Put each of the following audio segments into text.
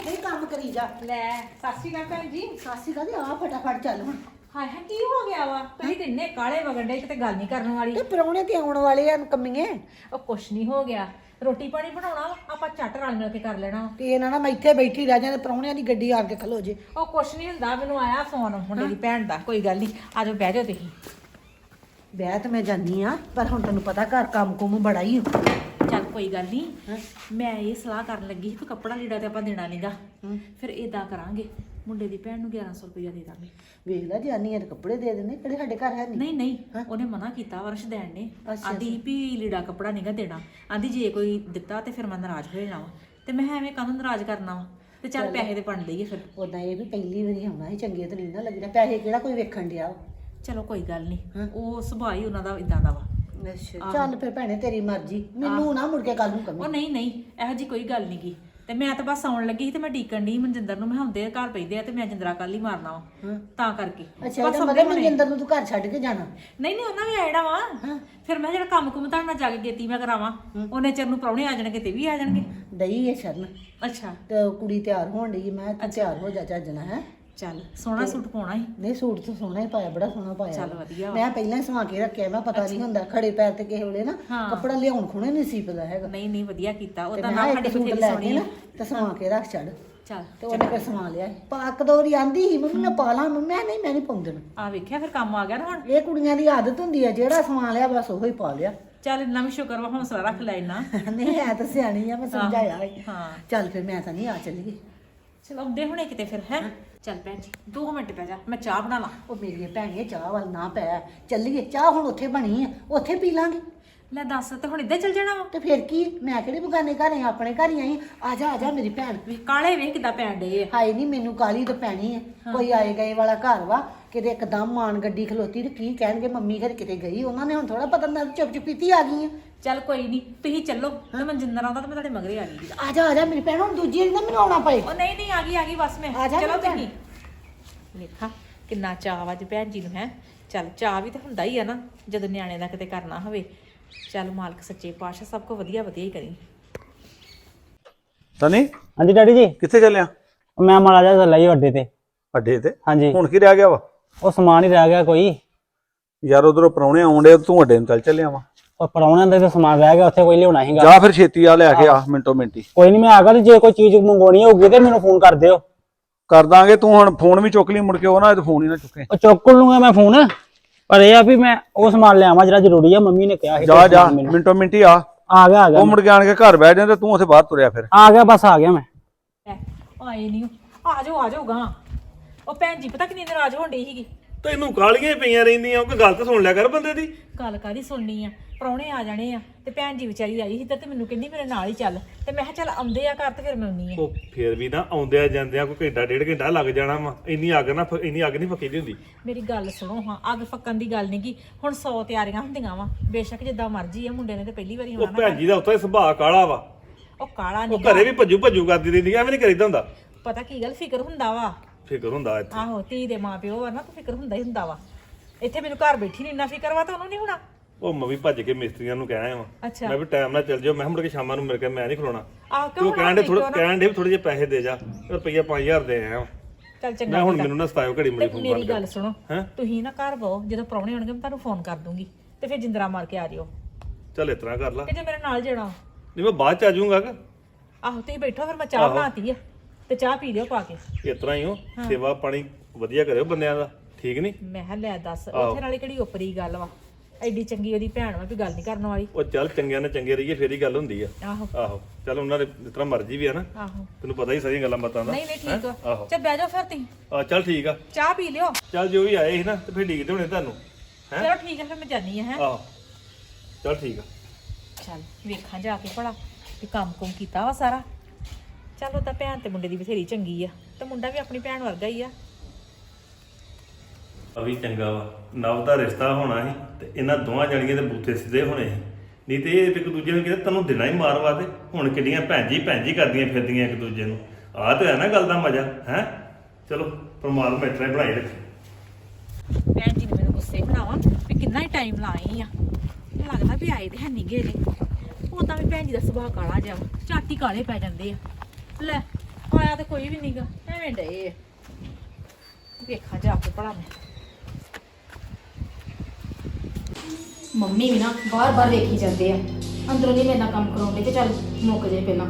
ਇੱਥੇ ਹੀ ਕੰਮ ਕਰੀ ਜਾ। ਲੈ ਸਤਿ ਸ਼੍ਰੀ ਅਕਾਲ ਭੈਣ ਜੀ। ਸਾਸੀ ਕਹਦੇ ਆ ਫਟਾਫਟ ਚੱਲ ਹੁਣ। ਹਾਏ ਹਾਏ ਕੀ ਹੋ ਗਿਆ ਵਾ? ਤੁਸੀਂ ਤੇ ਇੰਨੇ ਕਾਲੇ ਵਗੰਡੇ ਕਿਤੇ ਗੱਲ ਨਹੀਂ ਕਰਨ ਵਾਲੀ। ਤੇ ਪਰੌਣੇ ਤੇ ਆਉਣ ਵਾਲੇ ਆ ਕੰਮੀਏ। ਉਹ ਕੁਛ ਨਹੀਂ ਹੋ ਗਿਆ, ਰੋਟੀ ਪਾਣੀ ਬਣਾਉਣਾ ਵਾ, ਆਪਾਂ ਝੱਟ ਰਲ ਮਿਲ ਕੇ ਕਰ ਲੈਣਾ ਵਾ। ਤੇ ਇਹਨਾਂ ਨਾਲ ਮੈਂ ਇੱਥੇ ਬੈਠੀ ਰਹਿ ਜਾਂਦੇ ਪਰੌਣਿਆਂ ਦੀ ਗੱਡੀ ਆ ਕੇ ਖਲੋ ਜੇ। ਉਹ ਕੁਛ ਨਹੀਂ ਹੁੰਦਾ, ਮੈਨੂੰ ਆਇਆ ਫੋਨ ਮੁੰਡੇ ਦੀ ਭੈਣ ਦਾ। ਕੋਈ ਗੱਲ ਨਹੀਂ, ਆ ਜਾਓ ਬਹਿ ਜਾਓ ਤੁਸੀਂ। ਵਿਆਹ ਤੇ ਮੈਂ ਜਾਨੀ ਆ, ਪਰ ਹੁਣ ਤੈਨੂੰ ਪਤਾ ਘਰ ਕੰਮ ਕੁਮ ਬੜਾ ਹੀ। ਚੱਲ ਕੋਈ ਗੱਲ ਨਹੀਂ, ਮੈਂ ਇਹ ਸਲਾਹ ਕਰਨ ਲੱਗੀ ਸੀ ਕਿ ਕੱਪੜਾ ਲੀੜਾ ਤੇ ਆਪਾਂ ਦੇਣਾ ਨਹੀਂਗਾ। ਫਿਰ ਇਦਾਂ ਕਰਾਂਗੇ, ਮੁੰਡੇ ਦੀ ਭੈਣ ਨੂੰ 1100 ਰੁਪਇਆ ਦੇ ਦਾਂਗੇ। ਵੇਖ ਲੈ ਜਾਨੀ ਆ ਤੇ ਕੱਪੜੇ ਦੇ ਦਿੰਦੇ, ਕਿਹੜੇ ਸਾਡੇ ਘਰ ਹੈ ਨਹੀਂ ਨਹੀਂ, ਉਹਨੇ ਮਨਾ ਕੀਤਾ ਵਰਸ਼ ਦੇਣ ਨੇ। ਆਂਦੀ ਵੀ ਲੀੜਾ ਕੱਪੜਾ ਨਹੀਂਗਾ ਦੇਣਾ। ਆਂਦੀ ਜੇ ਕੋਈ ਦਿੱਤਾ ਤੇ ਫਿਰ ਮੈਂ ਨਾਰਾਜ਼ ਹੋ ਜਾਣਾ ਵਾ। ਤੇ ਮੈਂ ਐਵੇਂ ਕਾਹਨੂੰ ਨਾਰਾਜ਼ ਕਰਨਾ ਵਾ, ਤੇ ਚੱਲ ਪੈਸੇ ਤੇ ਬਣ ਲਈਏ ਫਿਰ। ਉਦਾਂ ਇਹ ਵੀ ਪਹਿਲੀ ਵਾਰੀ ਆਉਣਾ ਸੀ, ਚੰਗੇ ਤਾਂ ਨਹੀਂ ਨਾ ਲੱਗਣਾ। ਪੈਸੇ ਕਿਹੜਾ ਕੋਈ ਵੇਖਣ ਡਿਆ। ਚਲੋ ਕੋਈ ਗੱਲ ਨਹੀਂ, ਉਹ ਸੁਭਾਅ ਹੀ ਉਹਨਾਂ ਦਾ ਇਦਾਂ ਦਾ ਵਾ। ਅੱਛਾ ਚੱਲ ਫਿਰ ਭੈਣੇ ਤੇਰੀ ਮਰਜ਼ੀ, ਮੈਨੂੰ ਨਾ ਮੁੜ ਕੇ ਕੱਲ ਨੂੰ ਕਮੀ। ਉਹ ਨਹੀਂ ਨਹੀਂ, ਇਹੋ ਜੀ ਕੋਈ ਗੱਲ ਨਹੀਂ ਗੀ। ਤੇ ਮੈਂ ਤਾਂ ਬਸ ਆਉਣ ਲੱਗੀ ਸੀ ਤੇ ਮੈਂ ਡੀਕਣ ਦੀ ਮਨਜਿੰਦਰ ਨੂੰ, ਮੈਂ ਹੁੰਦੇ ਘਰ ਪੈਂਦੇ ਆ ਤੇ ਮੈਂ ਜਿੰਦਰਾ ਕੱਲ ਹੀ ਮਾਰਨਾ ਵਾ ਤਾਂ ਕਰਕੇ। ਅੱਛਾ ਇਹਦਾ ਮਤਲਬ ਮਨਜਿੰਦਰ ਨੂੰ ਤੂੰ ਘਰ ਛੱਡ ਕੇ ਜਾਣਾ? ਨਹੀਂ ਨਹੀਂ, ਉਹਨਾਂ ਵੀ ਆਇਣਾ ਵਾ। ਫਿਰ ਮੈਂ ਜਿਹੜਾ ਕੰਮ ਕੁਮ ਤੁਹਾਡੇ ਨਾਲ ਜਾ ਕੇ ਗੇਤੀ ਮੈਂ ਕਰਾਵਾਂ, ਉਹਨੇ ਚਿਰ ਨੂੰ ਪ੍ਰਾਹੁਣੇ ਆ ਜਾਣਗੇ ਤੇ ਵੀ ਆ ਜਾਣਗੇ। ਦਈ ਇਹ ਸ਼ਰਨ। ਅੱਛਾ ਤੇ ਕੁੜੀ ਤਿਆਰ ਹੋਣ ਡਈ, ਮੈਂ ਤੂੰ ਤਿਆਰ ਹੋ ਜਾ ਚੱਜਣਾ ਹੈ। ਚੱਲ ਸੋਹਣਾ ਸੂਟ ਪਾਉਣਾ ਸੀ। ਨਹੀਂ ਸੂਟ ਤਾਂ ਸੋਹਣਾ ਹੀ ਪਾਇਆ, ਬੜਾ ਸੋਹਣਾ ਪਾਇਆ। ਚੱਲ ਵਧੀਆ। ਮੈਂ ਪਹਿਲਾਂ ਹੀ ਸਵਾ ਕੇ ਰੱਖਿਆ, ਮੈਂ ਪਤਾ ਨਹੀਂ ਹੁੰਦਾ ਖੜੇ ਪੈਰ ਤੇ ਕਿਸੇ ਵੇਲੇ ਨਾ ਕੱਪੜਾ ਲਿਆਉਣ ਖੁਣੇ ਨਹੀਂ ਸੀਪਦਾ ਹੈਗਾ। ਨਹੀਂ ਨਹੀਂ, ਵਧੀਆ ਕੀਤਾ। ਉਹਦਾ ਮੈਂ ਨਾ ਸਾਡੇ ਸੂਟ ਲੈ ਕੇ ਨਾ ਤੇ ਸਵਾ ਕੇ ਰੱਖ ਛੱਡ। ਚੱਲ ਤੇ ਉਹਨੇ ਫਿਰ ਸਵਾ ਲਿਆ। ਪਾਕ ਦੋਰੀ ਆਂਦੀ ਸੀ ਮੰਮੀ ਮੈਂ ਪਾ ਲਾਂ, ਮੈਂ ਨਹੀਂ ਪਾਉਂਦੇ। ਆ ਵੇਖਿਆ, ਫਿਰ ਕੰਮ ਆ ਗਿਆ ਨਾ ਹੁਣ। ਇਹ ਕੁੜੀਆਂ ਦੀ ਆਦਤ ਹੁੰਦੀ ਆ, ਜਿਹੜਾ ਸਵਾ ਲਿਆ ਬਸ ਉਹੀ ਪਾ ਲਿਆ। ਚੱਲ ਇੰਨਾ ਵੀ ਸ਼ੁਕਰ ਵਾ, ਹੌਸਲਾ ਰੱਖ ਲੈ ਇੰਨਾ। ਨਹੀਂ ਹੈ ਤਾਂ ਸਿਆਣੀ ਆ, ਮੈਂ ਸਮਝਾਇਆ। ਹਾਂ ਚੱਲ ਫਿਰ ਮੈਂ ਤਾਂ ਨਹੀਂ ਆ ਚੱਲੀਏ। ਚਲ ਆਉਂਦੇ ਹੁਣੇ ਕਿਤੇ ਫਿਰ ਹੈ। ਚੱਲ ਭੈਣ ਜੀ 2 ਮਿੰਟ ਪੈ ਜਾ, ਮੈਂ ਚਾਹ ਬਣਾ ਲਾਂ। ਉਹ ਮੇਰੀਏ ਭੈਣੀਏ ਚਾਹ ਵੱਲ ਨਾ ਪੈ, ਚੱਲੀਏ। ਚਾਹ ਹੁਣ ਉੱਥੇ ਬਣੀ ਆ, ਉੱਥੇ ਪੀ ਲਾਂਗੇ। ਲੈ ਦੱਸ, ਤੇ ਹੁਣ ਇੱਦਾਂ ਚੱਲ ਜਾਣਾ ਵਾ? ਤੇ ਫਿਰ ਕੀ, ਮੈਂ ਕਿਹੜੇ ਬਗਾਨੇ ਘਰ ਆਈ, ਆਪਣੇ ਘਰ ਹੀ ਆਈ। ਆ ਜਾ ਮੇਰੀ ਭੈਣ। ਵੀ ਕਾਲੇ ਵੇਖ ਕਿੱਦਾਂ ਪੈਣ ਡੇ ਆ। ਹਾਏ ਨਹੀਂ, ਮੈਨੂੰ ਕਾਲੀ ਤਾਂ ਪੈਣੀ ਹੈ। ਕੋਈ ਆਏ ਗਏ ਵਾਲਾ ਘਰ ਵਾ, ਕਿਤੇ ਇੱਕਦਮ ਮਾਨ ਗੱਡੀ ਖਲੋਤੀ ਤੇ ਕੀ ਕਹਿਣਗੇ ਮੰਮੀ ਘਰ ਕਿਤੇ ਗਈ। ਉਹਨਾਂ ਨੇ ਹੁਣ ਥੋੜਾ ਪਤਾ ਨਾ ਚੁੱਪ ਚੁਪੀਤੀ ਆ ਗਈ ਆ। ਚੱਲ ਕੋਈ ਨਹੀਂ, ਤੁਸੀਂ ਚੱਲੋ ਤੇ ਮਨਜਿੰਦਰ ਆਉਂਦਾ ਤੇ ਮੈਂ ਤੁਹਾਡੇ ਮਗਰੇ ਆ ਗਈ। ਆ ਜਾ ਮੇਰੀ ਭੈਣ, ਹੁਣ ਦੂਜੀ ਵਾਰੀ ਨਾ ਮੈਨੂੰ ਆਉਣਾ ਪਏ। ਉਹ ਨਹੀਂ ਨਹੀਂ, ਆ ਗਈ ਬਸ ਮੈਂ। ਚਲੋ ਤੁਸੀਂ ਵੇਖਾਂ ਕਿੰਨਾ ਚਾਅ ਅੱਜ ਭੈਣ ਜੀ ਨੂੰ ਹੈ। ਚੱਲ ਚਾਅ ਵੀ ਤਾਂ ਹੁੰਦਾ ਹੀ ਆ ਨਾ ਜਦੋਂ ਨਿਆਣੇ ਦਾ ਕਿਤੇ ਕਰਨਾ ਹੋਵੇ। ਚੱਲ ਮਾਲਕ ਸੱਚੇ ਪਾਤਸ਼ਾਹ ਸਭ ਕੁਝ ਵਧੀਆ ਵਧੀਆ ਹੀ ਕਰੀ। ਸਨੀ ਹਾਂਜੀ ਡੈਡੀ ਜੀ, ਕਿੱਥੇ ਚੱਲਿਆ? ਮੈਂ ਮਾੜਾ ਜਿਹਾ ਚੱਲਾ ਜੀ ਅੱਡੇ ਤੇ। ਅੱਡੇ ਤੇ? ਹਾਂਜੀ। ਹੁਣ ਕੀ ਰਹਿ ਗਿਆ ਵਾ? ਉਹ ਸਮਾਨ ਹੀ ਰਹਿ ਗਿਆ ਕੋਈ। ਯਾਰ ਉਧਰੋਂ ਪਰੌਣੇ ਆਉਂਦੇ, ਤੂੰ ਅੱਡੇ ਨੂੰ ਚੱਲ ਚੱਲਿਆ ਵਾ। ਉਹ ਪਰੌਣਿਆਂ ਦਾ ਤੇ ਸਮਾਨ ਰਹਿ ਗਿਆ, ਉੱਥੇ ਕੋਈ ਲਿਆਉਣਾ ਸੀਗਾ। ਜਾ ਫਿਰ ਛੇਤੀ ਆ ਲੈ ਕੇ ਆ, ਮਿੰਟੋ ਮਿੰਟੀ। ਕੋਈ ਨਹੀਂ, ਮੈਂ ਆ ਗਿਆ। ਤੇ ਜੇ ਕੋਈ ਚੀਜ਼ ਮੰਗਵਾਉਣੀ ਹੋਊਗੀ ਤੇ ਮੈਨੂੰ ਫੋਨ ਕਰ ਦਿਓ। ਕਰ ਦਾਂਗੇ। ਤੂੰ ਹੁਣ ਫੋਨ ਵੀ ਚੁੱਕ ਲਈ ਮੁੜ ਕੇ, ਉਹ ਨਾ ਫੋਨ ਹੀ ਨਾ ਚੁੱਕੇ। ਉਹ ਚੁੱਕ ਲੂੰਗਾ ਮੈਂ ਫੋਨ, ਪਰ ਇਹ ਆ ਵੀ ਮੈਂ ਉਹ ਸਮਾਨ ਲਿਆਵਾਂ ਜਿਹੜਾ ਜ਼ਰੂਰੀ ਆ। ਮੰਮੀ ਨੇ ਕਿਹਾ ਸੀ ਜਾ ਮਿੰਟੋ ਮਿੰਟੀ ਆ ਗਿਆ। ਉਹ ਮੁੜ ਕੇ ਆਣ ਕੇ ਘਰ ਬਹਿ ਜਾਂਦੇ, ਤੂੰ ਉੱਥੇ ਬਾਹਰ ਤੁਰਿਆ ਫਿਰ। ਆ ਗਿਆ, ਬਸ ਆ ਗਿਆ ਮੈਂ। ਆਏ ਨਹੀਂ, ਆ ਜਾਓ ਗਾ। ਉਹ ਭੈਣ ਜੀ ਪਤਾ ਕਿੰਨੀ ਨਾਰਾਜ਼ ਹੋਣ ਡਈ ਸੀਗੀ। ਤੈਨੂੰ ਕਾਲੀਆਂ ਪਈਆਂ ਰਹਿੰਦੀਆਂ, ਕੋਈ ਗੱਲ ਤਾਂ ਸੁਣ ਲਿਆ ਕਰ ਬੰਦੇ ਦੀ। ਗੱਲ ਕਾਹਦੀ ਸੁਣਨੀ ਆ, ਪ੍ਰਾਹੁਣੇ ਆ ਜਾਣੇ ਆ ਤੇ ਭੈਣ ਜੀ ਵਿਚਾਰੀ ਆਈ ਸੀ ਤੇ ਮੈਨੂੰ ਕਹਿੰਦੀ ਮੇਰੇ ਨਾਲ ਹੀ ਚੱਲ। ਤੇ ਮੈਂ ਕਿਹਾ ਚੱਲ ਆਉਂਦੇ ਆ ਘਰ ਤੇ ਫਿਰ ਮੈਂ ਆਉਣੀ ਆ। ਉਹ ਫੇਰ ਵੀ ਨਾ ਆਉਂਦਿਆਂ ਜਾਂਦਿਆਂ ਕੋਈ ਘੰਟਾ 1.5 ਘੰਟਾ ਲੱਗ ਜਾਣਾ ਵਾ। ਇੰਨੀ ਅੱਗ ਨਹੀਂ ਫੱਕੀ ਦੀ ਹੁੰਦੀ। ਮੇਰੀ ਗੱਲ ਸੁਣੋ ਹਾਂ, ਅੱਗ ਫੱਕਣ ਦੀ ਗੱਲ ਨੀ ਗੀ। ਹੁਣ 100 ਤਿਆਰੀਆਂ ਹੁੰਦੀਆਂ ਵਾ, ਬੇਸ਼ੱਕ ਜਿੱਦਾਂ ਮਰਜ਼ੀ ਆ। ਮੁੰਡੇ ਨੇ ਤੇ ਪਹਿਲੀ ਵਾਰੀ ਉਹ ਆਉਣਾ ਭੈਣ ਜੀ ਦਾ ਉੱਥੇ ਸੁਭਾਅ ਕਾਲਾ ਵਾ। ਉਹ ਕਾਲਾ ਉਹ ਨਹੀਂ, ਘਰੇ ਵੀ ਭੱਜੂ ਕਰਦੀ ਰਹਿੰਦੀ, ਐਵੇਂ ਨਹੀਂ ਕਰੀਦਾ ਹੁੰਦਾ। ਪਤਾ ਕੀ ਗੱਲ, ਫਿਕਰ ਹੁੰਦਾ ਵਾ। ਫਿਕਰ ਹੁੰਦਾ ਇੱਥੇ। ਆਹੋ, ਧੀ ਦੇ ਮਾਂ ਪਿਓ ਆ ਨਾ, ਤਾਂ ਫਿਕਰ ਹੁੰਦਾ ਹੀ ਹੁੰਦਾ ਵਾ। ਇੱਥੇ ਮੈਨੂੰ ਘਰ ਬੈਠੀ ਨਹੀਂ ਇੰਨਾ ਫਿਕਰ ਵਾ, ਤਾਂ ਉਹਨੂੰ ਨਹੀਂ ਹੋਣਾ। ਉਹ ਮੈਂ ਵੀ ਭੱਜ ਕੇ ਮਿਸਤਰੀਆਂ ਨੂੰ ਕਹਿਆ ਵਾ। ਅੱਛਾ। ਮੈਂ ਵੀ ਟਾਈਮ ਨਾਲ ਚੱਲ ਜਾਓ, ਮੈਂ ਮੁੜ ਕੇ ਸ਼ਾਮਾਂ ਨੂੰ ਮਿਲ ਕੇ ਮੈਂ ਨਹੀਂ ਖਲੋਣਾ। ਆਹ ਤੂੰ ਕਹਿਣ ਦੇ ਥੋੜੇ ਜਿਹੇ ਪੈਸੇ ਦੇ ਜਾ, ਰੁਪਈਆ 5000 ਦੇ ਆਇਆ। ਚੱਲ ਚੰਗਾ। ਮੈਂ ਹੁਣ ਮੈਨੂੰ ਨਾ ਸਤਾਇਓ ਘੜੀ ਮੁੜੀ ਫੋਨ ਮੇਰੀ ਗੱਲ ਸੁਣੋ, ਤੁਸੀਂ ਨਾ ਘਰ ਬਹੁ, ਜਦੋਂ ਪ੍ਰਾਹੁਣੇ ਆਉਣਗੇ ਮੈਂ ਤੁਹਾਨੂੰ ਫੋਨ ਕਰ ਦੂੰਗੀ ਤੇ ਫਿਰ ਜਿੰਦਰਾ ਮਾਰ ਕੇ ਆ ਜਿਓ। ਚੱਲ ਇਸ ਤਰ੍ਹਾਂ ਕਰ ਲਾ। ਕਿ ਜੇ ਮੇਰੇ ਨਾਲ ਜਾਣਾ। ਨਹੀਂ ਮੈਂ ਬਾਅਦ ਚ ਆ ਜਾਊਂਗਾ। ਆਹੋ ਤੁਸੀਂ ਬੈਠੋ, ਫਿਰ ਮੈਂ ਚਾਹ ਬਣਾਤੀ ਆ ਤੇ ਚਾਹ ਪੀ ਲਿਓ ਪਾ ਕੇ। ਇਸ ਤਰ੍ਹਾਂ ਹੀ ਹੋ, ਸੇਵਾ ਪਾਣੀ ਵਧੀਆ ਕਰਿਓ ਬੰਦਿਆਂ ਦਾ, ਠੀਕ ਨਹੀਂ? ਮੈਂ ਕਿਹਾ ਲੈ ਦੱਸ, ਉੱਥੇ ਨਾਲੇ ਕਿਹੜੀ ਉਪਰੀ ਗੱਲ ਵਾ। ਐਡੀ ਚੰਗੀ ਉਹਦੀ ਭੈਣ ਵਾ ਵੀ ਗੱਲ ਨਹੀਂ ਕਰਨ ਵਾਲੀ। ਉਹ ਚੱਲ ਚੰਗਿਆਂ ਨਾਲ ਚੰਗੇ ਰਹੀਏ ਫੇਰ ਹੀ ਗੱਲ ਹੁੰਦੀ ਆ। ਆਹੋ ਚੱਲ ਉਹਨਾਂ ਦੇ ਜਿਸ ਤਰ੍ਹਾਂ ਮਰਜ਼ੀ ਵੀ ਆ ਨਾ। ਆਹੋ, ਤੈਨੂੰ ਪਤਾ ਹੀ ਸਾਰੀਆਂ ਗੱਲਾਂ ਬਾਤਾਂ ਦਾ। ਨਹੀਂ ਠੀਕ ਆ। ਚੱਲ ਬਹਿ ਜਾਓ ਫਿਰ ਤੁਸੀਂ। ਚੱਲ ਠੀਕ ਆ, ਚਾਹ ਪੀ ਲਿਓ। ਚੱਲ ਜੋ ਵੀ ਆਏ ਸੀ ਨਾ ਤੇ ਫੇਰ ਡੀਕਦੇ ਹੋਣੇ ਤੁਹਾਨੂੰ। ਚਲੋ ਠੀਕ ਆ, ਫਿਰ ਮੈਂ ਜਾਨੀ ਆ। ਆਹੋ ਚੱਲ ਠੀਕ ਆ। ਚੱਲ ਵੇਖਾਂ ਜਾ ਕੇ ਭਲਾ ਵੀ ਕੰਮ ਕੁਮ ਕੀਤਾ ਵਾ ਸਾਰਾ। ਚੱਲ ਉਹ ਤਾਂ ਭੈਣ ਤੇ ਮੁੰਡੇ ਦੀ ਬਥੇਰੀ ਚੰਗੀ ਆ, ਤੇ ਮੁੰਡਾ ਵੀ ਆਪਣੀ ਭੈਣ ਵਰਗਾ ਹੀ ਆ। ਅਭੀ ਚੰਗਾ ਵਾ, ਨਵ ਦਾ ਰਿਸ਼ਤਾ ਹੋਣਾ ਸੀ ਤੇ ਇਹਨਾਂ ਦੋਵਾਂ ਜਣੀਆਂ ਦੇ ਬੂਥੇ ਸਿੱਧੇ ਹੋਣੇ ਸੀ। ਨਹੀਂ ਤੇ ਇਹ ਇੱਕ ਦੂਜੇ ਨੂੰ ਕਹਿੰਦੇ ਤੈਨੂੰ ਦੇਣਾ ਹੀ ਮਾਰਵਾ ਤੇ ਹੁਣ ਕਿੱਡੀਆਂ ਭੈਣ ਜੀ ਕਰਦੀਆਂ ਫਿਰਦੀਆਂ ਇੱਕ ਦੂਜੇ ਨੂੰ। ਆਹ ਤੇ ਹੈ ਨਾ ਗੱਲ ਦਾ ਮਜ਼ਾ ਹੈ। ਚਲੋ ਪਰਮਾਤਮਾ ਇਸ ਤਰ੍ਹਾਂ ਬਣਾਈ ਰੱਖੇ। ਭੈਣ ਜੀ ਨੇ ਮੈਨੂੰ ਗੁੱਸੇ ਬਣਾਵਾ ਵੀ ਕਿੰਨਾ ਹੀ ਟਾਈਮ ਲਾਏ ਆ। ਲੱਗਦਾ ਵੀ ਆਏ ਤੇ ਹੈ ਨਹੀਂ ਗਏ ਨੇ। ਉਦਾਂ ਵੀ ਭੈਣ ਜੀ ਦਾ ਸੁਭਾਅ ਕਾਲਾ ਜਿਹਾ, ਝਾਟੀ ਕਾਲੇ ਪੈ ਜਾਂਦੇ ਆ। ਲੈ ਆਇਆ ਤੇ ਕੋਈ ਵੀ ਨਹੀਂਗਾ ਐਵੇਂ ਡਏ ਆ। ਵੇਖਾਂ ਜਾ ਕੇ ਭਲਾ ਮੈਂ। ਮੰਮੀ ਵੀ ਨਾ ਬਾਰ-ਬਾਰ ਵੇਖੀ ਜਾਂਦੇ ਆ ਅੰਦਰੋਂ ਨਹੀਂ ਮੇਰੇ ਨਾਲ ਕੰਮ ਕਰਾਉਂਦੇ ਕਿ ਚੱਲ ਮੁੱਕ ਜੇ ਪਹਿਲਾਂ।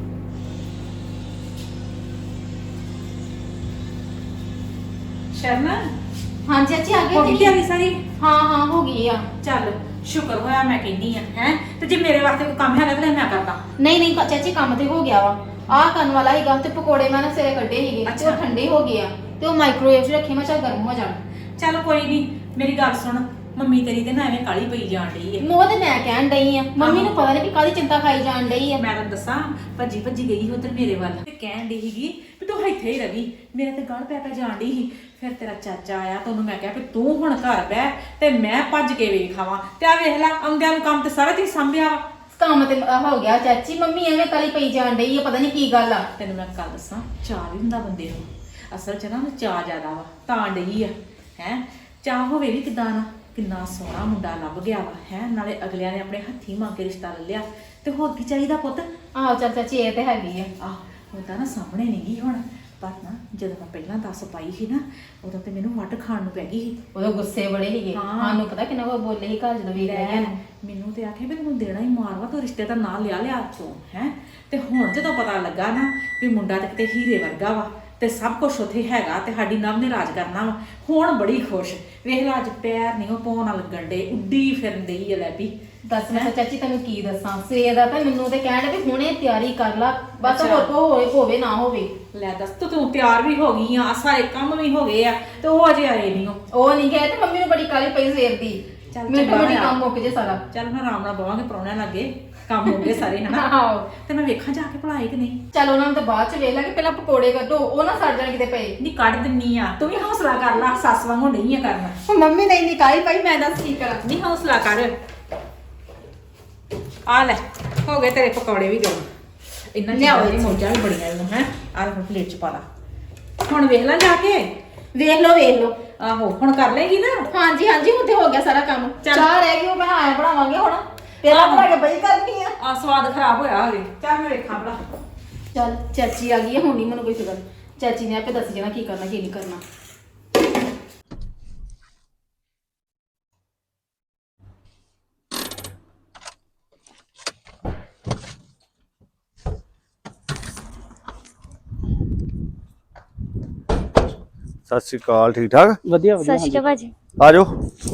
ਸ਼ਰਨਾ ਹਾਂ ਚਾਚੀ ਆ ਹੋ ਗਈ ਗਏ ਤਿਆਰੀ ਸਾਰੀ? ਹਾਂ ਹੋ ਗਈ ਆ। ਚੱਲ ਸ਼ੁਕਰ ਹੋਇਆ ਮੈਂ ਕਹਿੰਦੀ ਆ ਹੈ ਤੇ ਜੇ ਮੇਰੇ ਵਾਸਤੇ ਕੋਈ ਕੰਮ ਹੈਗਾ ਤਾਂ ਮੈਂ ਕਰਦਾ। ਨਹੀਂ ਚਾਚੀ ਕੰਮ ਤੇ ਹੋ ਗਿਆ ਵਾ ਆਹ ਕਰਨ ਵਾਲਾ ਹੀਗਾ ਤੇ ਪਕੌੜੇ ਮੈਂ ਨਾ ਸਵੇਰੇ ਕੱਢੇ ਸੀਗੇ ਤੇ ਉਹ ਠੰਡੇ ਹੋ ਗਏ ਆ ਤੇ ਉਹ ਮਾਈਕ੍ਰੋਵੇਵ 'ਚ ਰੱਖੇ ਮੈਂ ਚੱਲ ਗਰਮ ਹੋ ਜਾਣ। ਚੱਲ ਕੋਈ ਨਹੀਂ ਮੇਰੀ ਗੱਲ ਸੁਣ ਮੰਮੀ ਤੇਰੀ ਤੇ ਨਾ ਐਵੇਂ ਕਾਲੀ ਪਈ ਜਾਣ ਡਈ ਏ। ਉਹ ਤੇ ਮੈਂ ਕਹਿਣ ਡਈ ਆ ਮੰਮੀ ਨੂੰ ਪਤਾ ਨਹੀਂ ਕਿ ਕਾਹਦੀ ਚਿੰਤਾ ਖਾਈ ਜਾਣ ਡਈ ਆ। ਮੈਂ ਤੈਨੂੰ ਦੱਸਾਂ ਭੱਜੀ ਗਈ ਉਧਰ ਮੇਰੇ ਵੱਲ ਤੇ ਕਹਿਣ ਡਈ ਸੀਗੀ ਵੀ ਤੂੰ ਇੱਥੇ ਹੀ ਰਵੀ। ਮੇਰੇ ਤੇ ਗਲ ਪੈ ਜਾਣ ਡਈ ਸੀ। ਫਿਰ ਤੇਰਾ ਚਾਚਾ ਆਇਆ ਤੇ ਉਹਨੂੰ ਮੈਂ ਕਿਹਾ ਵੀ ਤੂੰ ਹੁਣ ਘਰ ਬਹਿ ਤੇ ਮੈਂ ਭੱਜ ਕੇ ਵੇਖ ਆਵਾਂ ਤੇ ਆ ਵੇਖ ਲੈ ਆਉਂਦਿਆਂ ਨੂੰ ਕੰਮ ਤੇ ਸਾਰਾ ਤੇ ਸੰਭਿਆ ਵਾ। ਕੰਮ ਤੇ ਹੋ ਗਿਆ ਚਾਚੀ ਮੰਮੀ ਐਵੇਂ ਕਾਲੀ ਪਈ ਜਾਣ ਡਈ ਆ ਪਤਾ ਨਹੀਂ ਕੀ ਗੱਲ ਆ। ਤੈਨੂੰ ਮੈਂ ਗੱਲ ਦੱਸਾਂ ਚਾਹ ਵੀ ਹੁੰਦਾ ਬੰਦੇ ਨੂੰ ਅਸਲ 'ਚ ਨਾ ਉਹਨੂੰ ਚਾਹ ਜ਼ਿਆਦਾ ਵਾ ਤਾਂ ਡਈ ਆ ਹੈ। ਚਾਹ ਹੋਵੇ ਵੀ ਕਿਦਾਂ ਨਾ ਕਿੰਨਾ ਸੋਹਣਾ ਮੁੰਡਾ ਲੱਭ ਗਿਆ ਵਾ ਹੈ ਨਾਲੇ ਅਗਲਿਆਂ ਨੇ ਆਪਣੇ ਹੱਥੀਂ ਮੰਗ ਕੇ ਰਿਸ਼ਤਾ ਲੈ ਲਿਆ ਤੇ ਹੋਰ ਕੀ ਚਾਹੀਦਾ ਪੁੱਤ। ਆਹੋ ਚੱਲ ਚਾਚੀ ਇਹ ਤੇ ਹੈਗੀ ਆ। ਉਹ ਤਾਂ ਨਾ ਸਾਹਮਣੇ ਨਹੀਂ ਗਈ ਹੁਣ ਪਰ ਨਾ ਜਦੋਂ ਮੈਂ ਪਹਿਲਾਂ ਦੱਸ ਪਾਈ ਸੀ ਨਾ ਉਦੋਂ ਤੇ ਮੈਨੂੰ ਵੱਟ ਖਾਣ ਨੂੰ ਪੈ ਗਈ ਸੀ। ਉਦੋਂ ਗੁੱਸੇ ਬੜੇ ਸੀਗੇ ਸਾਨੂੰ ਪਤਾ ਕਿੰਨਾ ਕੋ ਬੋਲੇ ਸੀ ਘਰ ਜਦੋਂ ਵੇਖ ਲਿਆ ਨਾ। ਮੈਨੂੰ ਤੇ ਆਖੇ ਵੀ ਤੈਨੂੰ ਦੇਣਾ ਹੀ ਮਾਰਵਾ ਤੂੰ ਰਿਸ਼ਤੇ ਦਾ ਨਾਂ ਲਿਆ ਤੂੰ ਹੈ। ਤੇ ਹੁਣ ਜਦੋਂ ਪਤਾ ਲੱਗਾ ਨਾ ਵੀ ਮੁੰਡਾ ਤੇ ਕਿਤੇ ਹੀਰੇ ਵਰਗਾ ਵਾ ਤੇ ਸਭ ਕੁਝ ਉੱਥੇ ਹੈਗਾ ਤੇ ਸਾਡੀ ਨਵ ਨੇ ਰਾਜ ਕਰਨਾ ਵਾ ਹੁਣ ਬੜੀ ਖੁਸ਼। ਵੇਖ ਲਾ ਅੱਜ ਪੈਰ ਨਹੀਂ ਉਹ ਪਾਉਣ ਨਾਲ ਲੱਗਣ ਡੇ ਉੱਡੀ ਫਿਰਨ ਡਈ ਆ ਲੈ ਵੀ। ਦੱਸ ਮੈਂ ਚਾਚੀ ਤੈਨੂੰ ਕੀ ਦੱਸਾਂ ਸਵੇਰ ਦਾ ਤਾਂ ਮੈਨੂੰ ਤੇ ਕਹਿਣ ਵੀ ਹੁਣੇ ਤਿਆਰੀ ਕਰ ਲਾ ਬਸ ਹੋਰ ਕੋ ਹੋਵੇ ਨਾ ਹੋਵੇ। ਲੈ ਦੱਸ ਤੂੰ ਤਿਆਰ ਵੀ ਹੋ ਗਈ ਆ ਸਾਰੇ ਕੰਮ ਵੀ ਹੋ ਗਏ ਆ ਤੇ ਉਹ ਅਜੇ ਆਏ ਨਹੀਂ ਉਹ ਨਹੀਂ ਗਏ ਤੇ ਮੰਮੀ ਨੂੰ ਬੜੀ ਕਾਲੀ ਪਈ ਸਵੇਰ ਦੀ। ਮੈਨੂੰ ਬੜੀ ਕੰਮ ਮੁੱਕ ਜੇ ਸਾਰਾ। ਚੱਲ ਮੈਂ ਆਰਾਮ ਨਾਲ ਬਵਾਂਗੇ ਪ੍ਰਾਹੁਣਿਆਂ ਲੱਗੇ ਕੰਮ ਹੋ ਗਏ ਸਾਰੇ ਹਨਾ। ਆਹੋ ਤੇ ਮੈਂ ਵੇਖਾਂ ਜਾ ਕੇ ਭਲਾਈ ਕਿ ਨਹੀਂ। ਚੱਲ ਉਹਨਾਂ ਨੂੰ ਤਾਂ ਬਾਅਦ ਚ ਵੇਖ ਲਾਂਗੇ ਪਹਿਲਾਂ ਪਕੌੜੇ ਕੱਢੋ ਉਹ ਨਾ ਸੜ ਜਾਣ ਕਿਤੇ ਪਏ। ਨਹੀਂ ਕੱਢ ਦਿੰਨੀ ਆ ਤੂੰ ਵੀ ਹੌਸਲਾ ਕਰ ਲੈ ਸੱਸ ਵਾਂਗੂ ਨਹੀਂ ਆ ਕਰਨਾ। ਮੰਮੀ ਨਹੀਂ ਕਾਲੀ ਪਈ ਮੈਂ ਦੱਸ ਕੀ ਕਰਾਂ। ਨਹੀਂ ਹੌਸਲਾ ਕਰ ਆ ਲੈ ਹੋ ਗਏ ਤੇਰੇ ਪਕੌੜੇ ਵੀ ਗਰਮ। ਇੰਨਾ ਚੀਜ਼ਾਂ ਦੀ ਮੌਜਾਂ ਵੀ ਬੜੀਆਂ ਇਹਨੂੰ ਹੈ। ਆ ਲੈ ਪਲੇਟ ਚ ਪਾ ਲਾ ਹੁਣ ਵੇਖ ਲੈ ਜਾ ਕੇ। ਵੇਖ ਲਓ ਆਹੋ ਹੁਣ ਕਰ ਲੇਗੀ ਨਾ। ਹਾਂਜੀ ਹੁਣ ਤੇ ਹੋ ਗਿਆ ਸਾਰਾ ਕੰਮ। ਚਾਹ ਰਹਿ ਗਈ ਉਹ ਮੈਂ ਆਇਆ ਬਣਾਵਾਂਗੇ ਹੁਣ ਤੇਰਾ ਬਣਾ ਕੇ ਬਈ ਕਰਨੀ ਆ ਸਵਾਦ ਖਰਾਬ ਹੋਇਆ ਹੋਵੇ। ਚੱਲ ਮੈਂ ਵੇਖਾਂ ਭਲਾ। ਚੱਲ ਚਾਚੀ ਆ ਗਈ ਹੈ ਹੁਣ ਨਹੀਂ ਮੈਨੂੰ ਕੋਈ ਫਿਕਰ। ਚਾਚੀ ਨੇ ਆਪੇ ਦੱਸ ਜਾਣਾ ਕੀ ਕਰਨਾ ਕੀ ਨਹੀਂ ਕਰਨਾ। ਸਤਿ ਸ਼੍ਰੀ ਅਕਾਲ ਠੀਕ ਠਾਕ ਵਧੀਆ ਸਤਿ ਸ਼੍ਰੀ ਅਕਾਲ ਭਾਜੀ। ਆ ਜਾਓ।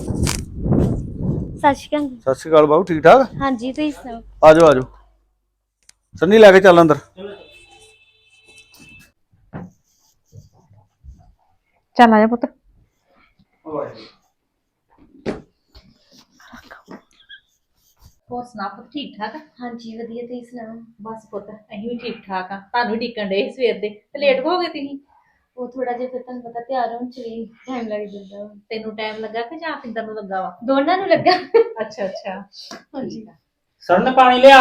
ਸਤਿ ਸ਼੍ਰੀ ਅਕਾਲ। ਸਤਿ ਸ਼੍ਰੀ ਅਕਾਲ ਬਾਬੂ ਠੀਕ ਠਾਕ ਹਾਂਜੀ ਤੁਸੀਂ ਸੁਣਾਓ। ਆ ਜਾਓ ਸੰਨੀ ਲੈ ਕੇ ਚੱਲ ਅੰਦਰ। ਚੱਲ ਆ ਜਾ ਪੁੱਤ। ਹੋਰ ਸੁਣਾ ਪੁੱਤ ਠੀਕ ਠਾਕ? ਹਾਂਜੀ ਵਧੀਆ ਤੁਸੀਂ ਸੁਣਾਓ। ਬਸ ਪੁੱਤ ਅਸੀਂ ਵੀ ਠੀਕ ਠਾਕ ਆ। ਤੁਹਾਨੂੰ ਢੀਕਣ ਡੇ ਸਵੇਰ ਦੇ ਤੇ ਲੇਟ ਹੋ ਗਏ ਤੁਸੀਂ। ਉਹ ਥੋੜਾ ਜਿਹਾ ਫਿਰ ਤੁਹਾਨੂੰ ਪਤਾ ਤਿਆਰ ਹੋਣ ਚ ਵੀ ਟਾਈਮ ਲੱਗ ਜਾਂਦਾ ਵਾ। ਤੈਨੂੰ ਟਾਈਮ ਲੱਗਾ ਕਿ ਜਾਂ ਪਿੰਦਰ ਨੂੰ ਲੱਗਾ ਵਾ? ਦੋਨਾਂ ਨੂੰ ਲੱਗਾ। ਅੱਛਾ ਹਾਂਜੀ। ਸਰਨ ਪਾਣੀ ਲਿਆ।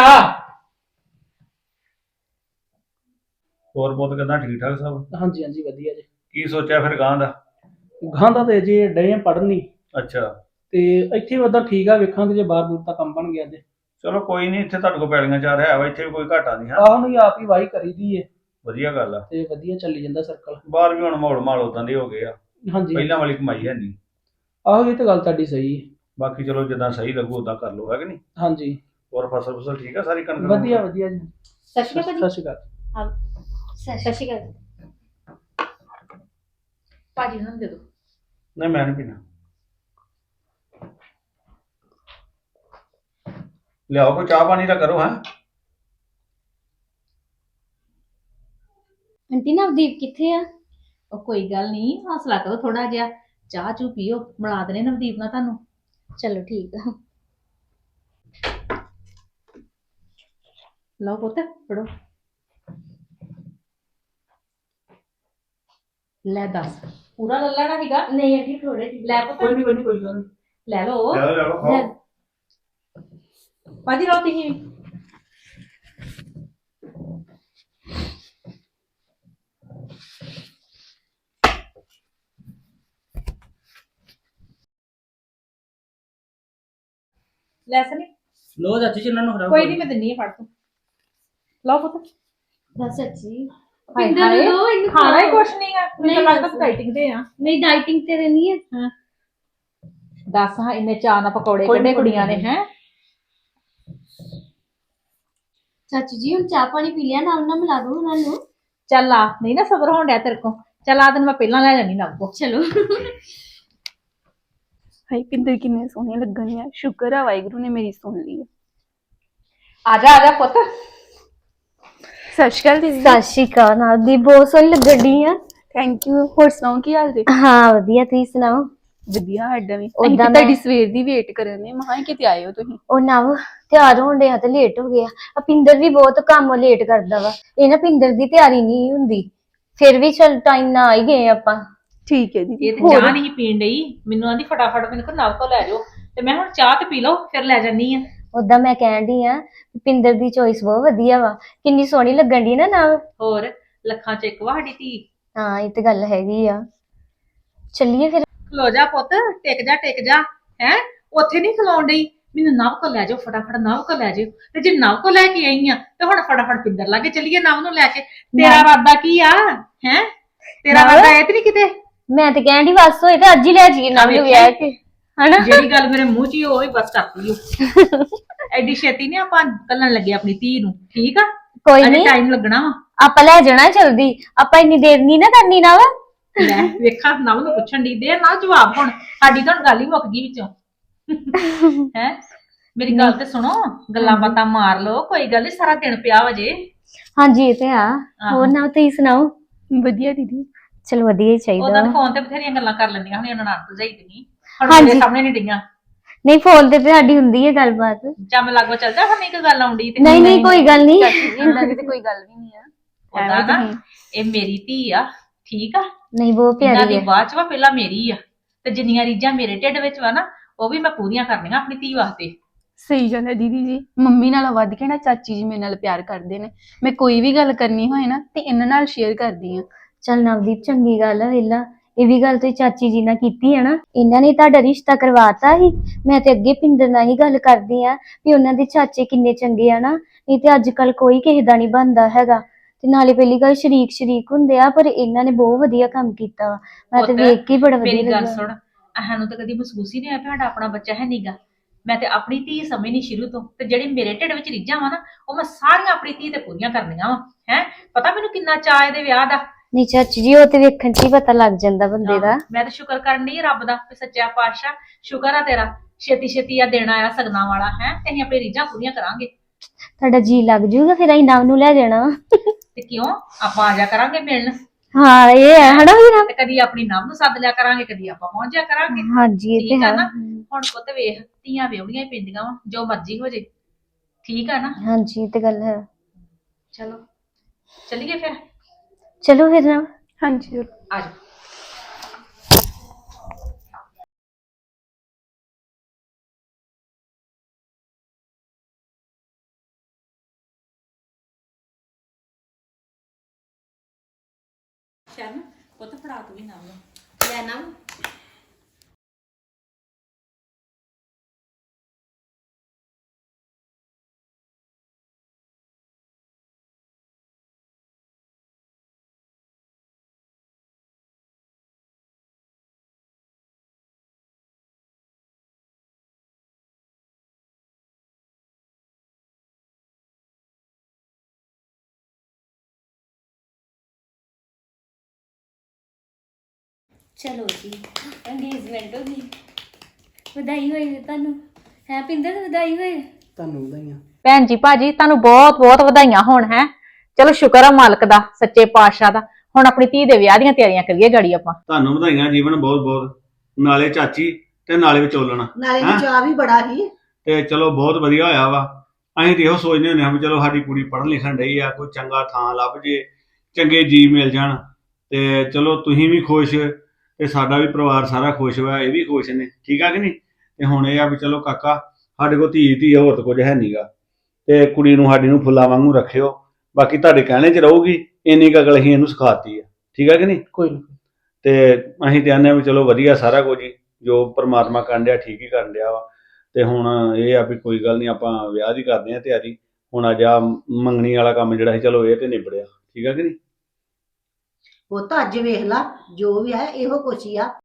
ਹੋਰ ਬਹੁਤ ਕਿਦਾਂ ਠੀਕ ਠਾਕ ਸਭ? ਹਾਂਜੀ ਵਧੀਆ ਜੀ। ਕੀ ਸੋਚਿਆ ਫਿਰ ਗਾਂ ਦਾ? ਗਾਂ ਦਾ ਤੇ ਜੇ ਡੇ ਪੜ੍ਹਨੀ ਅੱਛਾ ਤੇ ਇੱਥੇ ਉਦਾਂ ਠੀਕ ਆ ਵੇਖਾਂਗੇ ਜੇ ਬਾਹਰ ਬੂਰ ਦਾ ਕੰਮ ਬਣ ਗਿਆ ਤੇ। ਚਲੋ ਕੋਈ ਨਹੀਂ ਇੱਥੇ ਤੁਹਾਡੇ ਕੋਲ ਪੈਲੀਆਂ ਚਾਰ ਹੈ ਵਾ ਇੱਥੇ ਵੀ ਕੋਈ ਘਾਟਾ ਨਹੀਂ ਹੈ। ਆਹ ਨੂੰ ਆਪ ਹੀ ਵਾਹੀ ਕਰੀਦੀ ਏ ਵਧੀਆ ਗੱਲ ਆ ਤੇ ਵਧੀਆ ਚੱਲੀ ਜਾਂਦਾ ਸਰਕਲ। ਬਾਹਰ ਵੀ ਹੁਣ ਮਾਹੌਲ ਮਾਲ ਉਦਾਂ ਦੇ ਹੋ ਗਏ ਆ ਹਾਂਜੀ ਪਹਿਲਾਂ ਵਾਲੀ ਕਮਾਈ ਹੈ ਨਹੀਂ। ਆਹੋ ਇਹ ਤਾਂ ਗੱਲ ਤੁਹਾਡੀ ਸਹੀ ਹੈ। ਬਾਕੀ ਚਲੋ ਜਿੱਦਾਂ ਸਹੀ ਲੱਗੂ ਉਦਾਂ ਕਰ ਲਓ ਹੈ ਕਿ ਨਹੀਂ। ਹਾਂਜੀ ਹੋਰ ਫਸਲ ਠੀਕ ਆ ਸਾਰੀ ਕਣਕ? ਵਧੀਆ ਜੀ। ਸਤਿ ਸ਼੍ਰੀ ਅਕਾਲ ਸਤਿ ਸ਼੍ਰੀ ਅਕਾਲ। ਸਤਿ ਸ਼੍ਰੀ ਅਕਾਲ। ਭਾਜੀ ਨੂੰ ਦੇ ਦੋ। ਨਹੀਂ ਮੈਂ ਨਹੀਂ ਪੀਣਾ। ਲਿਆਓ ਕੋਈ ਚਾਹ ਪਾਣੀ ਦਾ ਕਰੋ ਹੈ। ਆਂਟੀ ਨਵਦੀਪ ਕਿੱਥੇ ਆ? ਉਹ ਕੋਈ ਗੱਲ ਨਹੀਂ ਹੌਸਲਾ ਕਰੋ ਥੋੜਾ ਜਿਹਾ ਚਾਹ ਚੂ ਪੀਓ ਮਿਲਾ ਦਨੇ ਨਵਦੀਪ ਨਾਲ ਤੁਹਾਨੂੰ। ਚਲੋ ਠੀਕ ਆ। ਲਓ ਪੁੱਤ ਫੜੋ। ਲੈ ਦੱਸ ਪੂਰਾ ਲੈ ਲੈਣਾ ਸੀਗਾ? ਨਹੀਂ ਆਂਟੀ ਥੋੜੇ ਜਿਹੇ। ਲੈ ਪੁੱਤ ਕੋਈ ਨਹੀਂ ਕੋਈ ਗੱਲ ਨਹੀਂ। ਲੈ ਲਓ। ਲੈ ਲਓ ਖਾਓ। ਭਾਜੀ ਲਓ ਤੁਸੀਂ। ਲੈ ਸਨੀ ਲੋ ਚਾਚੀ ਜੀ ਇਹਨਾਂ ਨੂੰ ਹਰਾਓ। ਕੋਈ ਨਹੀਂ ਮੈਂ ਦਿੰਨੀ ਆ ਫੜ ਤੂੰ। ਲਓ ਪੁੱਤ। ਬਸ ਚਾਚੀ ਪਿੰਦਰ ਨੂੰ ਦੋ ਇਹਨੂੰ ਖਾਣਾ ਹੀ ਖਵਾਓ। ਕੁਛ ਨਹੀਂ ਆ ਮੈਨੂੰ ਲੱਗਦਾ ਡਾਈਟਿੰਗ ਤੇ ਆ ਨਹੀਂ ਡਾਈਟਿੰਗ ਤੇ ਰਹਿਣੀ ਹੈ। ਦੱਸ ਹਾਂ ਇੰਨੇ ਚਾਹ ਨਾਲ ਪਕੌੜੇ ਕੱਢੇ ਕੁੜੀਆਂ ਨੇ ਹੈ। ਚਾਚੀ ਜੀ ਹੁਣ ਚਾਹ ਪਾਣੀ ਪੀ ਲਿਆ, ਨਾਲ ਨਾਲ ਮਿਲਾ ਦੋ ਉਹਨਾਂ ਨੂੰ। ਚੱਲ ਆ, ਨਹੀਂ ਨਾ ਸਬਰ ਹੋਣ ਡਿਆ ਤੇਰੇ ਕੋ। ਚੱਲ ਆ ਤੈਨੂੰ ਮੈਂ ਪਹਿਲਾਂ ਲੈ ਜਾਣੀ ਨਵ ਕੋ। ਚਲੋ ਹਾਈ ਪਿੰਦਰ ਕਿੰਨੇ ਸੋਹਣੇ ਲੱਗਣ ਆ। ਸ਼ੁਕਰ ਆ ਵਾਹਿਗੁਰੂ ਨੇ ਮੇਰੀ ਸੁਣ ਲਈ। ਆ ਜਾ ਪੁੱਤ। ਸਤਿ ਸ਼੍ਰੀ ਅਕਾਲ ਦੀਦੀ। ਸਤਿ ਸ਼੍ਰੀ ਅਕਾਲ ਨਾਲ ਦੀ ਬਹੁਤ ਸੋਹਣੀ ਲੱਗਣ ਡਈ ਆ। Thank you. ਹੋਰ ਸੁਣਾਓ ਕੀ ਹਾਲ ਜੀ? ਹਾਂ ਵਧੀਆ, ਤੁਸੀਂ ਸੁਣਾਓ। ਵਧੀਆ ਸਾਡਾ ਵੀ। ਓਦਾਂ ਅਸੀਂ ਤਾਂ ਮੈਂ- ਤੁਹਾਡੀ ਸਵੇਰ ਦੀ ਵੇਟ ਕਰਨ ਦੇ ਮਹਾਂ ਕਿਤੇ ਆਏ ਹੋ ਤੁਸੀਂ। ਉਹ ਨਵ ਤਿਆਰ ਹੋਣ ਡਿਆ ਤੇ ਲੇਟ ਹੋ ਗਿਆ। ਆ ਪਿੰਦਰ ਵੀ ਬਹੁਤ ਕੰਮ ਲੇਟ ਕਰਦਾ ਵਾ। ਇਹ ਨਾ ਪਿੰਦਰ ਦੀ ਤਿਆਰੀ ਨਹੀਂ ਹੁੰਦੀ, ਫਿਰ ਵੀ ਚਲ ਟਾਈਮ ਨਾਲ ਆ ਹੀ ਗਏ ਆਪਾਂ। ਠੀਕ ਹੈ ਦੀਦੀ। ਇਹ ਤੇ ਚਾਹ ਨਹੀਂ ਪੀਣ ਡਈ, ਮੈਨੂੰ ਆਂਦੀ ਫਟਾਫਟ ਮੈਨੂੰ ਕੋ ਨਵ ਕੋ ਲੈ ਜਾਓ ਤੇ ਮੈਂ ਹੁਣ ਚਾਹ ਤੇ ਪੀ ਲਓ ਫਿਰ ਲੈ ਜਾਨੀ ਆ। ਓਦਾਂ ਮੈਂ ਕਹਿਣ ਡਈ ਆ ਪਿੰਦਰ ਦੀ ਚੋਇਸ ਬਹੁਤ ਵਧੀਆ ਵਾ, ਕਿੰਨੀ ਸੋਹਣੀ ਲੱਗਣ ਡਈ ਨਾ ਨਵ। ਹੋਰ ਲੱਖਾਂ ਚ ਇੱਕ ਵਾ ਸਾਡੀ ਧੀ। ਹਾਂ ਇਹ ਤੇ ਗੱਲ ਹੈਗੀ ਆ। ਚੱਲੀਏ ਫਿਰ। ਖਲੋ ਜਾ ਪੁੱਤ, ਟਿਕ ਜਾ ਹੈ। ਉੱਥੇ ਨਹੀਂ ਖਲੋਣ ਡਈ, ਮੈਨੂੰ ਨਵ ਕੋ ਲੈ ਜਾਓ ਫਟਾਫਟ, ਨਵ ਕੋ ਲੈ ਜਾਓ। ਤੇ ਜੇ ਨਵ ਕੋ ਲੈ ਕੇ ਆਈ ਆ ਤੇ ਹੁਣ ਫਟਾਫਟ ਪਿੰਦਰ ਲਾਗੇ ਚੱਲੀਏ ਨਵ ਨੂੰ ਲੈ ਕੇ। ਤੇਰਾ ਇਰਾਦਾ ਕੀ ਆ ਹੈ? ਤੇਰਾ ਨਵ? ਇਰਾਦਾ ਇਹ ਤੇ ਨਹੀਂ ਕਿਤੇ ਮੈਂ ਤੇ ਕਹਿਣ ਡਈ ਬਸ ਹੋਏ ਤੇ ਅੱਜ ਹੀ ਲੈ ਜਾਈਏ ਨਵ ਨੂੰ ਵਿਆਹ ਕੇ, ਹਨਾ। ਜਿਹੜੀ ਗੱਲ ਮੇਰੇ ਮੂੰਹ 'ਚ ਹੀ ਉਹ ਹੀ ਬਸ ਕਰਤੀ ਓ। ਐਡੀ ਛੇਤੀ ਨਹੀਂ ਆਪਾਂ ਕੱਲਣ ਲੱਗੇ ਆਪਣੀ ਧੀ ਨੂੰ, ਠੀਕ ਆ? ਕੋਈ ਅਜੇ ਨਹੀਂ, ਟਾਈਮ ਲੱਗਣਾ ਵਾ। ਆਪਾਂ ਲੈ ਜਾਣਾ ਜਲਦੀ, ਆਪਾਂ ਇੰਨੀ ਦੇਰ ਨਹੀਂ ਨਾ ਕਰਨੀ ਨਵ। ਲੈ ਵੇਖਾ ਨਵ ਨੂੰ ਪੁੱਛਣ ਦੀ ਦੇ ਨਾ ਜਵਾਬ। ਹੁਣ ਸਾਡੀ ਤਾਂ ਗੱਲ ਹੀ ਮੁੱਕ ਗਈ ਵਿੱਚੋਂ ਹੈ। ਮੇਰੀ ਗੱਲ ਤੇ ਸੁਣੋ, ਗੱਲਾਂ ਬਾਤਾਂ ਮਾਰ ਲਓ, ਕੋਈ ਗੱਲ ਨੀ, ਸਾਰਾ ਦਿਨ ਪਿਆ ਵਜੇ। ਹਾਂਜੀ ਇਹ ਤੇ ਆ। ਹੋਰ ਨਵ ਤੁਸੀਂ ਸੁਣਾਓ। ਵਧੀਆ ਦੀਦੀ। ਚਲ ਵਧੀਆ ਹੀ ਚਾਹੀਦਾ ਉਹਦਾ ਵਾ। ਫੋਨ ਤੇ ਬਥੇਰੀਆਂ ਗੱਲਾਂ ਕਰ ਲੈਂਦੀਆਂ ਹੁਣ ਇਹਨਾਂ ਨਾਲ ਭਜਾਈ ਤੇ ਨਹੀਂ, ਹੁਣ ਹਾਂਜੀ। ਮੇਰੇ ਸਾਹਮਣੇ ਨਹੀਂ ਡਈਆਂ। ਨਹੀਂ ਫੋਨ ਤੇ ਸਾਡੀ ਹੁੰਦੀ ਹੈ ਗੱਲਬਾਤ। ਜਾਂ ਮੈਂ ਲਾਗੋ ਚੱਲ ਜਾ, ਹੁਣ ਇੱਕ ਗੱਲ ਆਉਂਦੀ ਤੇ ਨਹੀਂ ਨਹੀਂ ਕੋਈ ਗੱਲ ਨਹੀਂ। ਇੰਦਾਂ ਦੀ ਤੇ ਕੋਈ ਗੱਲ ਵੀ ਨਹੀਂ ਆ। ਉਹਦਾ ਨਾ ਇਹ ਮੇਰੀ ਧੀ ਆ, ਠੀਕ ਆ? ਨਹੀਂ ਬਹੁਤ ਇਹਨਾਂ ਪਿਆਰੀ ਦੀ ਹੈ। ਬਾਅਦ ਚ ਵਾ, ਪਹਿਲਾਂ ਮੇਰੀ ਆ। ਤੇ ਜਿੰਨੀਆਂ ਰੀਝਾਂ ਮੇਰੇ ਢਿੱਡ ਵਿੱਚ ਵਾ ਨਾ, ਉਹ ਵੀ ਮੈਂ ਪੂਰੀਆਂ ਕਰਨੀਆਂ ਆਪਣੀ ਧੀ ਵਾਸਤੇ। ਸਹੀ ਗੱਲ ਹੈ ਦੀਦੀ ਜੀ। ਮੰਮੀ ਨਾਲ ਵੱਧ ਕੇ ਨਾ ਚਾਚੀ ਜੀ ਮੇਰੇ ਨਾਲ ਪਿਆਰ ਕਰਦੇ ਨੇ। ਮੈਂ ਕੋਈ ਵੀ ਗੱਲ ਕਰਨੀ ਹੋਏ ਨਾ ਤੇ ਇਹਨਾਂ ਨਾਲ ਸ਼ੇਅਰ ਕਰਦੀ ਆ। ਚਲ ਨਵਦੀਪ ਚੰਗੀ ਗੱਲ ਆ। ਵੇਲਾ ਇਹ ਵੀ ਗੱਲ ਤੁਸੀਂ ਚਾਚੀ ਜੀ ਨਾਲ ਕੀਤੀ ਹੈ ਨਾ, ਇਹਨਾਂ ਨੇ ਤੁਹਾਡਾ ਰਿਸ਼ਤਾ ਕਰਵਾਤਾ ਹੀ। ਮੈਂ ਤੇ ਅੱਗੇ ਪਿੰਦਰ ਨਾਲ ਹੀ ਗੱਲ ਕਰਦੀ ਆ ਵੀ ਉਹਨਾਂ ਦੇ ਚਾਚੇ ਕਿੰਨੇ ਚੰਗੇ ਆ ਨਾ, ਨਹੀਂ ਤੇ ਅੱਜ ਕੱਲ ਕੋਈ ਕਿਸੇ ਦਾ ਨਹੀਂ ਬਣਦਾ ਹੈਗਾ। ਤੇ ਨਾਲੇ ਪਹਿਲੀ ਗੱਲ ਸ਼ਰੀਕ ਹੁੰਦੇ ਆ, ਪਰ ਇਹਨਾਂ ਨੇ ਬਹੁਤ ਵਧੀਆ ਕੰਮ ਕੀਤਾ ਵਾ। ਮੈਂ ਤੇ ਪੁੱਤ, ਵੇਖ ਕੇ ਹੀ ਬੜਾ ਵਧੀਆ ਮੇਰੀ ਗੱਲ ਲੱਗਾ। ਸੁਣ, ਸਾਨੂੰ ਤਾਂ ਕਦੀ ਮਹਿਸੂਸ ਹੀ ਨਹੀਂ ਹੋਇਆ ਸਾਡਾ ਆਪਣਾ ਬੱਚਾ ਹੈ ਨੀਗਾ। ਮੈਂ ਤੇ ਆਪਣੀ ਧੀ ਸਮਝਣੀ ਸ਼ੁਰੂ ਤੋਂ, ਤੇ ਜਿਹੜੀ ਮੇਰੇ ਢਿੱਡ ਵਿੱਚ ਰੀਝਾਂ ਵਾ ਨਾ, ਉਹ ਮੈਂ ਸਾਰੀਆਂ ਆਪਣੀ ਧੀ ਤੇ ਪੂਰੀਆਂ ਕਰਨੀਆਂ ਵਾ। ਹੈ ਪਤਾ ਮੈਨੂੰ ਕਿੰਨਾ ਚਾਅ ਇਹਦੇ ਵਿਆਹ ਦਾ। ਨਹੀਂ ਚਾਚੀ ਜੀ ਉਹ ਤੇ ਵੇਖਣ 'ਚ ਹੀ ਪਤਾ ਲੱਗ ਜਾਂਦਾ ਬੰਦੇ ਦਾ। ਮੈਂ ਤਾਂ ਸ਼ੁਕਰ ਕਰਨ ਡਈ ਰੱਬ ਦਾ ਵੀ ਸੱਚਾ ਪਾਤਸ਼ਾਹ ਸ਼ੁਕਰ ਆ ਤੇਰਾ, ਛੇਤੀ ਛੇਤੀ ਆ ਦੇਣਾ ਆ ਸਗਨਾਂ ਵਾਲਾ ਹੈ, ਤੇ ਅਸੀਂ ਆਪਣੀ ਰੀਝਾਂ ਪੂਰੀਆਂ ਕਰਾਂਗੇ। ਤੁਹਾਡਾ ਜੀ ਲੱਗ ਜੂਗਾ ਫਿਰ ਅਸੀਂ ਨਵ ਨੂੰ ਲੈ ਜਾਣਾ। ਤੇ ਕਿਉਂ, ਆਪਾਂ ਆ ਜਾ ਕਰਾਂਗੇ ਮਿਲਣ। ਹਾਂ ਇਹ ਹੈ ਹਨਾ ਵੀਰ। ਤੇ ਕਦੀ ਆਪਣੀ ਨਵ ਨੂੰ ਸੱਦ ਲਿਆ ਕਰਾਂਗੇ, ਕਦੀ ਆਪਾਂ ਪਹੁੰਚ ਜਾ ਕਰਾਂਗੇ। ਹਾਂਜੀ ਇਹ ਤੇ ਠੀਕ ਆ ਹੈ। ਨਾ? ਹੁਣ ਪੁੱਤ ਵੇਖ, ਧੀਆਂ ਵਿਆਹੁਣੀਆਂ ਹੀ ਪੈਂਦੀਆਂ ਵਾ, ਜੋ ਮਰਜ਼ੀ ਹੋ ਜੇ, ਠੀਕ ਆ ਨਾ? ਹਾਂਜੀ ਇਹ ਤੇ ਗੱਲ ਹੈ। ਚਲੋ ਚੱਲੀਏ ਫਿਰ। ਚਲੋ ਫਿਰ ਨਵ। ਹਾਂਜੀ ਜ਼ਰੂਰ। ਆ ਜਾ। ਸ਼ਰਨ ਪੁੱਤ ਫੜਾ ਤੂੰ ਵੀ ਨਾਲ ਲੈ ਨਾ। ਚਲੋ ਜੀ ਇੰਗੇਜਮੈਂਟ ਹੋ ਗਈ। ਵਧਾਈ ਹੋਏ ਤੁਹਾਨੂੰ। ਹੈ ਪਿੰਦਰ ਵਧਾਈ ਹੋਏ। ਤੁਹਾਨੂੰ ਵਧਾਈਆਂ। ਭੈਣ ਜੀ ਭਾਜੀ ਤੁਹਾਨੂੰ ਬਹੁਤ ਬਹੁਤ ਵਧਾਈਆਂ ਹੋਣ। ਹੈ ਚਲੋ ਸ਼ੁਕਰ ਆ ਮਾਲਕ ਦਾ, ਸੱਚੇ ਪਾਤਸ਼ਾਹ ਦਾ। ਹੁਣ ਆਪਣੀ ਧੀ ਦੇ ਵਿਆਹ ਦੀਆਂ ਤਿਆਰੀਆਂ ਕਰੀਏ ਗਾੜੀ ਆਪਾਂ। ਤੁਹਾਨੂੰ ਵਧਾਈਆਂ ਜੀਵਨ ਬਹੁਤ ਬਹੁਤ, ਨਾਲੇ ਚਾਚੀ ਤੇ ਨਾਲੇ ਵਿਚੋਲਣਾ। ਨਾਲੇ ਹੈਂ? ਚਾਹ ਵੀ ਬੜਾ ਹੀ। ਤੇ ਚਲੋ ਬਹੁਤ ਵਧੀਆ ਹੋਇਆ ਵਾ। ਅਸੀਂ ਤੇ ਇਹੋ ਸੋਚਦੇ ਹੁੰਦੇ ਹਾਂ ਵੀ ਚਲੋ ਸਾਡੀ ਕੁੜੀ ਪੜ੍ਹਨ ਲਿਖਣ ਡਈ ਆ, ਕੋਈ ਚੰਗਾ ਥਾਂ ਲੱਭ ਜੇ, ਚੰਗੇ ਜੀ ਮਿਲ ਜਾਣ, ਤੇ ਚਲੋ ਤੁਸੀਂ ਵੀ ਖੁਸ਼ ਤੇ ਸਾਡਾ ਵੀ ਪਰਿਵਾਰ ਸਾਰਾ ਖੁਸ਼ ਹੋਇਆ, ਇਹ ਵੀ ਖੁਸ਼ ਨੇ, ਠੀਕ ਆ ਕਿ ਨਹੀਂ? ਤੇ ਹੁਣ ਇਹ ਆ ਵੀ ਚਲੋ ਕਾਕਾ ਸਾਡੇ ਕੋਲ ਧੀ ਹੋਰ ਤਾਂ ਕੁਝ ਹੈ ਨਹੀਂਗਾ, ਤੇ ਕੁੜੀ ਨੂੰ ਸਾਡੀ ਨੂੰ ਫੁੱਲਾਂ ਵਾਂਗੂ ਰੱਖਿਓ। ਬਾਕੀ ਤੁਹਾਡੇ ਕਹਿਣੇ 'ਚ ਰਹੂਗੀ, ਇੰਨੀ ਕੁ ਅਕਲ ਅਸੀਂ ਇਹਨੂੰ ਸਿਖਾਤੀ ਆ, ਠੀਕ ਆ ਕਿ ਨਹੀਂ? ਕੋਈ ਨੀ। ਤੇ ਅਸੀਂ ਤੇ ਆਨੇ ਆ ਵੀ ਚਲੋ ਵਧੀਆ ਸਾਰਾ ਕੁਝ ਹੀ, ਜੋ ਪਰਮਾਤਮਾ ਕਰਨ ਡਿਆ ਠੀਕ ਹੀ ਕਰਨ ਡਿਆ ਵਾ। ਤੇ ਹੁਣ ਇਹ ਆ ਵੀ ਕੋਈ ਗੱਲ ਨਹੀਂ, ਆਪਾਂ ਵਿਆਹ ਦੀ ਕਰਦੇ ਆ ਤਿਆਰੀ। ਹੁਣ ਅੱਜ ਆ ਮੰਗਣੀ ਵਾਲਾ ਕੰਮ ਜਿਹੜਾ ਸੀ, ਚਲੋ ਇਹ ਤੇ ਨਿਬੜਿਆ, ਠੀਕ ਆ ਕਿ ਨਹੀਂ? ਪੁੱਤ ਅੱਜ ਵੇਖ ਲਾ ਜੋ ਵੀ ਹੈ ਇਹੋ ਕੁਛ ਹੀ ਆ